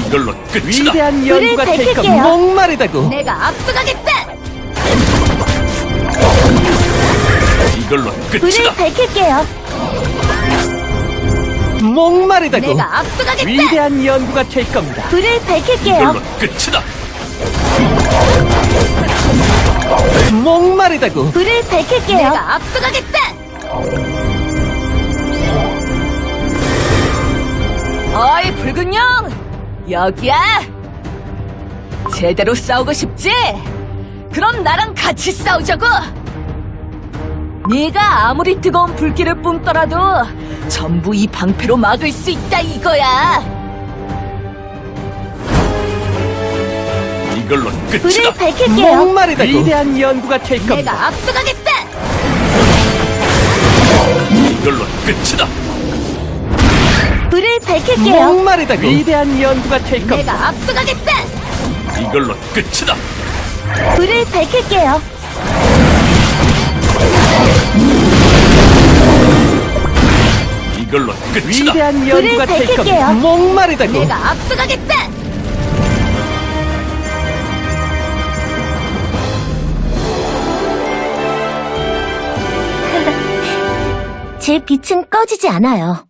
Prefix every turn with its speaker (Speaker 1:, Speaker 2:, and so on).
Speaker 1: 이걸로 끝이다.
Speaker 2: 위대한
Speaker 3: 불을
Speaker 2: 연구가 될 겁니다.
Speaker 3: 밝힐게요.
Speaker 2: 목마르다고.
Speaker 3: 내가 앞서가겠다.
Speaker 1: 이걸로
Speaker 3: 불을
Speaker 1: 끝이다.
Speaker 3: 밝힐게요.
Speaker 2: 목마르다고.
Speaker 3: 내가 앞서가겠다.
Speaker 2: 위대한 연구가 될 겁니다.
Speaker 3: 불을 밝힐게요.
Speaker 1: 이걸로 끝이다.
Speaker 2: 목마르다고.
Speaker 3: 불을 밝힐게요. 내가 앞서가겠다. 어이 붉은 영 여기야. 제대로 싸우고 싶지? 그럼 나랑 같이 싸우자고. 네가 아무리 뜨거운 불길을 뿜더라도 전부 이 방패로 막을 수 있다 이거야.
Speaker 1: 이걸로
Speaker 3: 불을
Speaker 1: 끝이다.
Speaker 3: 밝힐게요.
Speaker 2: 목마르다고. 위대한 연구가 될 겁니다.
Speaker 3: 내가 앞서가겠다.
Speaker 1: 이걸로 끝이다.
Speaker 3: 불을 밝힐게요.
Speaker 2: 목마르다고. 위대한 연구가 될 겁니다.
Speaker 3: 내가 앞서가겠다.
Speaker 1: 이걸로 끝이다.
Speaker 3: 불을 밝힐게요.
Speaker 1: 이걸로 끝이다.
Speaker 2: 위대한 연구가 될
Speaker 3: 밝힐게요.
Speaker 2: 겁니다. 목마르다고.
Speaker 3: 내가 앞서가겠다. 제 빛은 꺼지지 않아요.